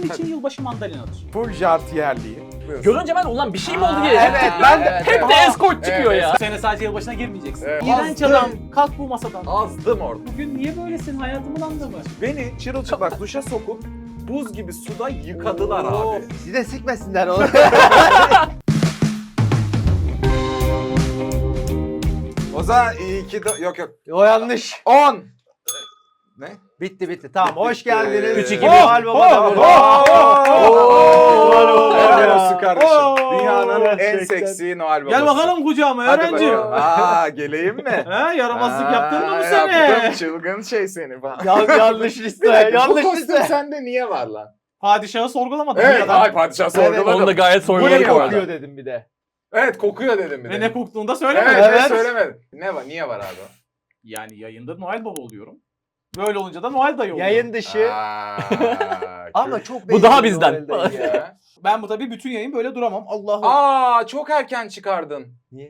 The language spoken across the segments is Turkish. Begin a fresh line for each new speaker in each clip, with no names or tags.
için yılbaşı mandalinadır.
Full jartiyerliği.
Görünce ben ulan bir şey mi oldu diye.
Evet,
ben de hep de escort çıkıyor ya.
Bu sene sadece yılbaşına girmeyeceksin.
Evet.
İğrenç
Azdım.
adam, kalk bu masadan.
Azdım orada.
Bugün niye böylesin hayatımın anlamı?
Beni çırılçıplak duşa sokup buz gibi suda yıkadılar
Oo,
abi.
size sikmesinler onu.
O zaman iyi ki de... Yok.
O yanlış.
10. Ne?
Bitti. Tamam hoş
Bitti.
geldiniz.
3, 2, 1.
Noel Baba da burada.
Helal olsun kardeşim.
Oo.
Dünyanın en
Gerçekten.
seksi Noel babası.
Gel bakalım kucağıma
Hadi
öğrenci.
bakalım. Geleyim mi?
He yaramazlık yaptın mı bu
Yaptım,
sene?
çılgın şey seni falan.
Yanlış liste.
Bu
Yanlış
kostüm
liste.
sende niye var lan?
Padişahı sorgulamadın
Evet,
ya da.
ay padişah
Evet,
sorguladım.
Onu da gayet
Bu
sorguladık
ne
bu arada.
kokuyor dedim bir de.
Evet, kokuyor dedim bir de.
Ve ne koktuğunu da
Evet,
söylemedin.
Evet.
söylemedim. Ne var, niye var abi?
Yani yayında Noel Baba oluyorum. Böyle olunca da Noel dayı oluyorum.
Yayın dışı. Ama çok
Bu daha
benziyor
bizden.
Noel Dayı ya.
Ben bu tabii bütün yayın böyle duramam. Allah'ım.
Çok erken çıkardın.
Niye?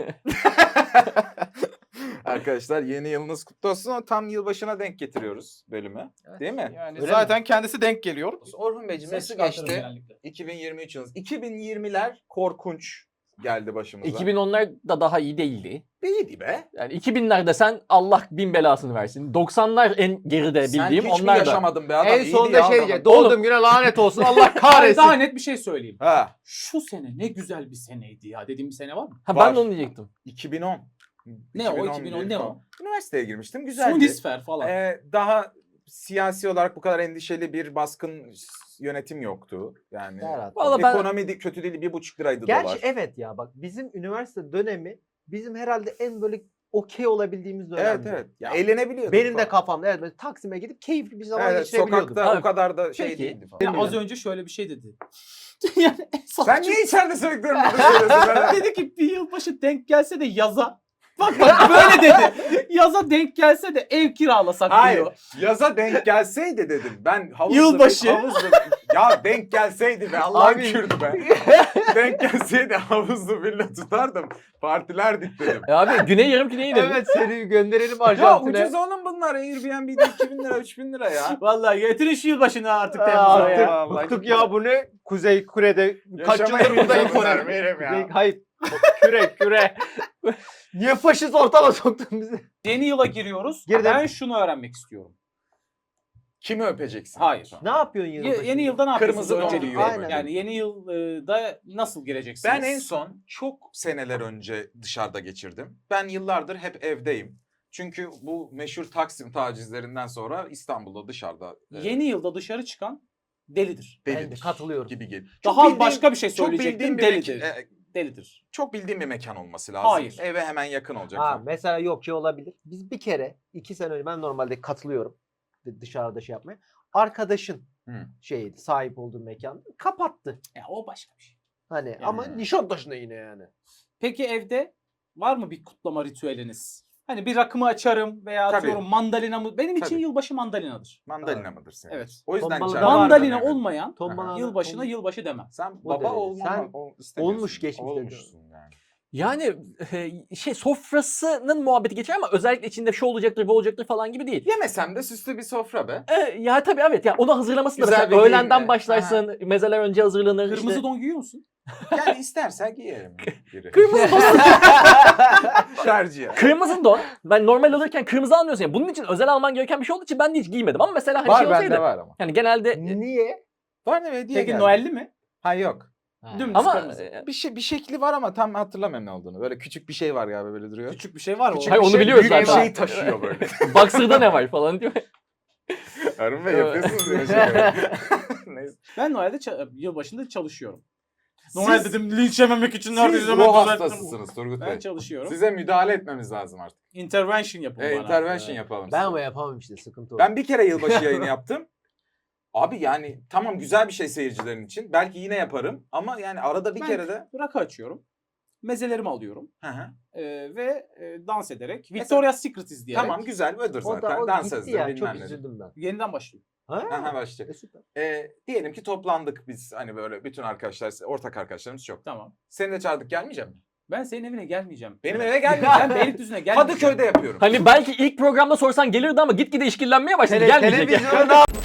Arkadaşlar yeni yılınız kutlu olsun. Tam yılbaşına denk getiriyoruz bölümü. Değil mi?
Yani
Öyle
zaten kendisi denk geliyor.
Orhun Beyciğim
Ses
nasıl
çıkartırım
geçti?
genellikle.
2023 yılınız. 2020'ler korkunç geldi başımıza.
2010'lar da daha iyi değildi.
İyiydi be.
Yani 2000'lerde sen Allah bin belasını versin. 90'lar en geride
Sen
bildiğim
hiç mi
onlar da.
yaşamadın be adam?
En
İyiydi
sonunda
ya
şey
adam.
diyecek. Doğduğum güne lanet olsun Allah kahretsin.
Daha net bir şey söyleyeyim.
Ha,
Şu sene ne güzel bir seneydi ya dediğim bir sene var mı?
Ha,
Var.
ben de onu diyecektim.
2010.
Ne o 2010 ne o?
Üniversiteye girmiştim. Güzeldi.
Sunisfer falan.
Daha siyasi olarak bu kadar endişeli bir baskın yönetim yoktu. Yani
Serhat.
Vallahi ben
ekonomi kötü değil, 1,5 liraydı
Gerçi
dolar.
evet ya bak bizim üniversite dönemi bizim herhalde en böyle okey olabildiğimiz dönemdi.
Evet. Ya, eğlenebiliyorduk
Benim de
falan.
kafamda evet böyle Taksim'e gidip keyifli bir zaman
Evet,
geçirebiliyordum.
sokakta o
Evet.
kadar da şey
Peki.
değildi falan.
Ya
Bilmiyorum.
az önce şöyle bir şey dedi. Yani en
Sen
saçma-
niye içeride sürekli burada söylüyorsun? Ben-
dedi ki bir yılbaşı denk gelse de yaza. Bak böyle dedi. Yaza denk gelse de ev kiralasak
Hayır.
diyor.
Yaza denk gelseydi dedim. Ben havuzlu
Yılbaşı.
Ya denk gelseydi be Allah'ın
Abi.
Kürdü be. Denk gelseydi havuzlu villa tutardım. Partilerdik dedim.
abi Güney Yarımküre'ye gidelim.
Evet seni gönderelim
Ya
Arjantin'e.
ucuz oğlum bunlar. Airbnb'de 2000 lira 3000 lira ya.
Vallahi getirin şu yılbaşını artık
Aa,
Temmuz'a
artık
ya.
Allah
bıktık ya bu ne? Kuzey Kore'de kaç
Yaşamayı
yıldır buradayım
bilmiyorlar,
Kore.
Meryem ya.
Kuzey- Hayır. Küre. Niye faşist ortama soktun bizi?
Yeni yıla giriyoruz.
Girdim.
Ben şunu öğrenmek istiyorum.
Kimi öpeceksin?
Hayır.
Ne yapıyorsun yılbaşı?
Yeni yılda ne yapıyorsunuz?
Kırmızı
Önce
don.
diyorum.
Aynen.
Yani yeni yılda nasıl gireceksiniz?
Ben en son çok seneler önce dışarıda geçirdim. Ben yıllardır hep evdeyim. Çünkü bu meşhur Taksim tacizlerinden sonra İstanbul'da dışarıda
Yeni yılda dışarı çıkan delidir.
Ben de
delidir
katılıyorum.
gibi geliyor.
Daha başka bir şey
çok
söyleyecektim.
bildiğim bir
Delidir.
delidir. Çok bildiğim bir mekan olması lazım.
Hayır.
Eve hemen yakın olacak.
Ha,
falan.
mesela yok şey olabilir. Biz bir kere 2 sene önce ben normalde katılıyorum dışarıda şey yapmaya. Arkadaşın
Hı.
şeydi sahip olduğu mekan kapattı.
Ya o başka bir şey.
Hani ama Nişantaşı'nda yine yani.
Peki evde var mı bir kutlama ritüeliniz? Hani bir rakımı açarım veya
Tabii.
atıyorum mandalina mı? Benim için
Tabii.
yılbaşı mandalinadır.
Mandalina mıdır senin?
Evet.
O yüzden
Tombalı
içeride
da var
Mandalina
evet.
olmayan
Ton bana-
yılbaşına yılbaşı demem.
Sen
O
baba
derece.
olman
Sen
istemiyorsun.
olmuş geçmiş
Olmuşsun yani.
Yani sofrasının muhabbeti geçer ama özellikle içinde şu olacaktır bu olacaktır falan gibi değil.
Yemesem de süslü bir sofra be.
Ya tabii evet ya onu hazırlaması da
Güzel
mesela
bir
öğlenden
giyinme.
başlarsın, mezeler önce hazırlanır.
Kırmızı
işte.
don giyiyor musun?
Yani istersen giyerim biri.
Kırmızı don.
Tercih.
Kırmızı don. Ben normal alırken kırmızı almıyorsun. Yani bunun için özel alman gereken bir şey olduğu için ben de hiç giymedim ama mesela hani
Var
şey olsaydı.
bende var ama.
Yani genelde
Niye?
Var ne hediye
Peki
geldi.
Noel'li mi?
Ha yok.
Dümdüz
ama
kırmızı.
Bir şekli var ama tam hatırlamıyorum ne olduğunu. Böyle küçük bir şey var galiba böyle duruyor.
Küçük bir şey var mı?
Küçük
Hayır,
bir
onu
şey,
biliyoruz
büyük bir
zaten.
şey taşıyor böyle.
Boxer'da ne var falan diyor.
Harun Bey yapıyorsunuz ya şey. Neyse.
Ben Noel'de yılbaşında çalışıyorum.
Siz-
Noel dedim linç yememek için neredeyse
Siz
hemen
ruh
düzelttim.
hastasısınız Turgut
Ben
Bey.
çalışıyorum.
Size müdahale etmemiz lazım artık.
Intervention yapın bana.
Intervention yapalım.
Ben
size.
ama yapamam işte sıkıntı o.
Ben bir kere yılbaşı yayını yaptım. Abi yani tamam güzel bir şey seyircilerin için. Belki yine yaparım ama yani arada bir
Ben
kere de.
rakı açıyorum. Mezelerimi alıyorum.
Hı hı.
Ve dans ederek.
Mesela-
Victoria's Secret izleyerek.
Tamam güzel ödür
o
zaten.
da o
Dans
gitti
ezdir
ya
bilmem
çok
nedir.
üzüldüm ben.
Yeniden başlıyor.
Ha?
Aha başlayacak.
Süper.
Diyelim ki toplandık biz hani böyle bütün arkadaşlar, ortak arkadaşlarımız çok.
Tamam.
Seni de çağırdık gelmeyecek misin?
Ben senin evine gelmeyeceğim.
Benim
Evet.
eve gelmeyeceksin.
Ben Beylikdüzü'ne gelmeyeceğim.
Kadıköy'de yapıyorum.
Hani belki ilk programda sorsan gelirdi ama gitgide işkillenmeye başladı. Gelmeyecek.
Televizyonu ne